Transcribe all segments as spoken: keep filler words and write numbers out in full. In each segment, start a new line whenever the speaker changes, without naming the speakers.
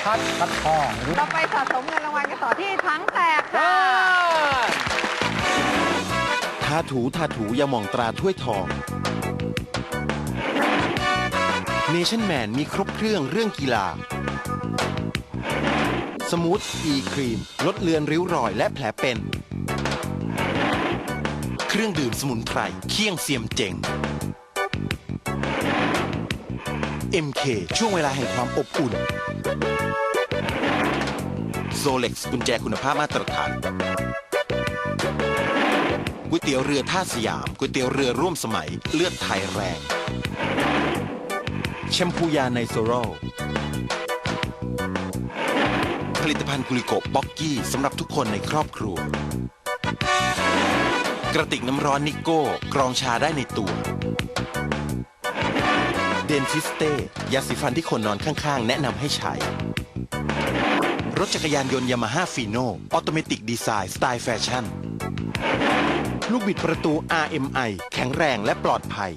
พัดพัดทอง
เราไปสะสมเงินรางวัลกันต่อที่ถังแตกค่ะ
ทาถูทาถูยาหม่องตราถ้วยทองเนชั่นแมนมีครบเครื่องเรื่องกีฬาสมูทอีครีมลดเลือนริ้วรอยและแผลเป็น เครื่องดื่มสมุนไพรเคี่ยงเซียมเจ๋ง เอ็ม เค ช่วงเวลาแห่งความอบอุ่นโซเล็กซ์กุญแจคุณภาพมาตรฐานก๋วยเตี๋ยวเรือท่าสยามก๋วยเตี๋ยวเรือร่วมสมัยเลือดไทยแรงแชมพูยาไนโซโรผลิตภัณฑ์กุลิโกบ็อกกี้สำหรับทุกคนในครอบครัวกระติกน้ำร้อนนิโก้กรองชาได้ในตัวเดนทิสเต้ยาสีฟันที่คนนอนข้างๆแนะนำให้ใช้รถจักรยานยนต์ยามาฮ่าฟีโน่ออโตเมติกดีไซน์สไตล์แฟชั่นลูกบิดประตู อาร์ เอ็ม ไอ แข็งแรงและปลอดภัย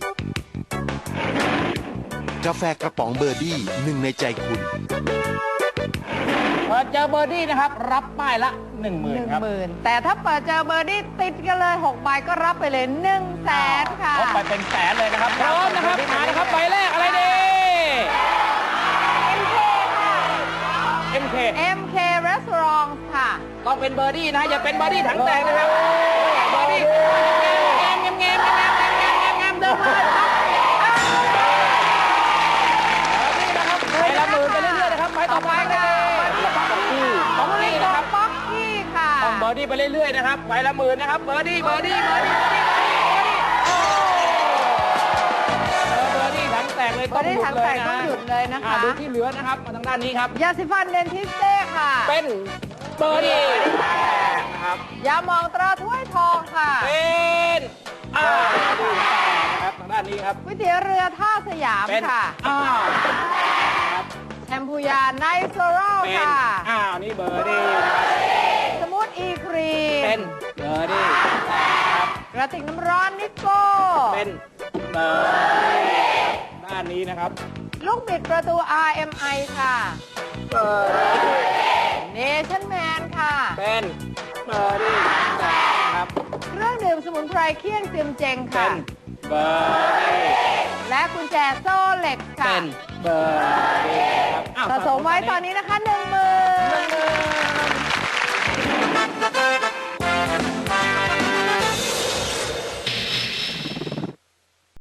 กาแฟกระป๋องเบอร์ดี้หนึ่งในใจคุณ
เปิดเจอเบอร์ดี้นะครับ รับป้ายละหนึ่งหมื่
ห
น
นึ่ง
ครับ
หมื่นแต่ถ้าเปิดเจอเบอร์ดี้ติดกันเลยหกใบก็รับไปเลยหนึ่งแสนค่ะ
พบไปเป็นแสนเลยนะครับพร้อมนะครับมานะครับใบแรกอะไรดี
เอ็ม เค ค่ะ
เอ็ม เค
เอ็ม เค Restaurant ค่ะ
ต้องเป็นเบอร์ดี้นะอย่าเป็นเบอร์ดี้ถังแตกนะครับเบอร์ดี้แงมแงมแงมแงมแงมแงมแงมแงมเดินมาครับใบละหมื่นไปเรื่อยๆนะครับใบต่อไปค่ะของเบอร์ดี้นะครับ
ป๊อกกี้ค่ะ
ต้องเบอร์ดี้ไปเรื่อยๆนะครับใบละหมื่นนะครับเบอร์ดี้เบอร์ดี้เบอร์ดี้เบอร์ดี้เบอร์ดี้ถังแตกเลย
เบอร์ดี้ถังแตกต้องหยุดเลยนะคะ
ดูที่เหลือนะครับมาทางด้านนี้ครับ
ยาสีฟันเดนทิสเต้ค่ะ
เป็นเบอร์ดี้นะครับ
ยาหมองตราถ้วยทองค่ะ
เป็นอ้าวนะครับทางด้านนี้ครับ
ก๋วยเตี๋ยวเรือท่าสยาม
เป็น
ค่ะ
อ้าวครับ
แชมพูยาไนโซโร
เป็น
ค่ะ
อ้าวนี่เบอร์ดี้นะครับ
สมูทอีครีม
เป็นเบอร์ดี้ครับ
กระติกน้ำร้อนนิโก้
เป็นเบอร์ดี้ด้านนี้นะครับ
ลูกบิดประตู อาร์ เอ็ม ไอ ค่ะ
เบอร์ดี้
เนชั่นแมนค่ะ
เป็นเบอร์ดี้นะครับ
เครื่องดื่มสมุนไพรเคี่ยงเซียมเจง
เป็
ค่ะ
นเบอร์ดี้
และกุญแจโซ่เหล็กค่ะ
เป็นเบอร์ดี้ครับอ้าว
สะสมไว้ตอนนี้นะคะหนึ่งหมื่น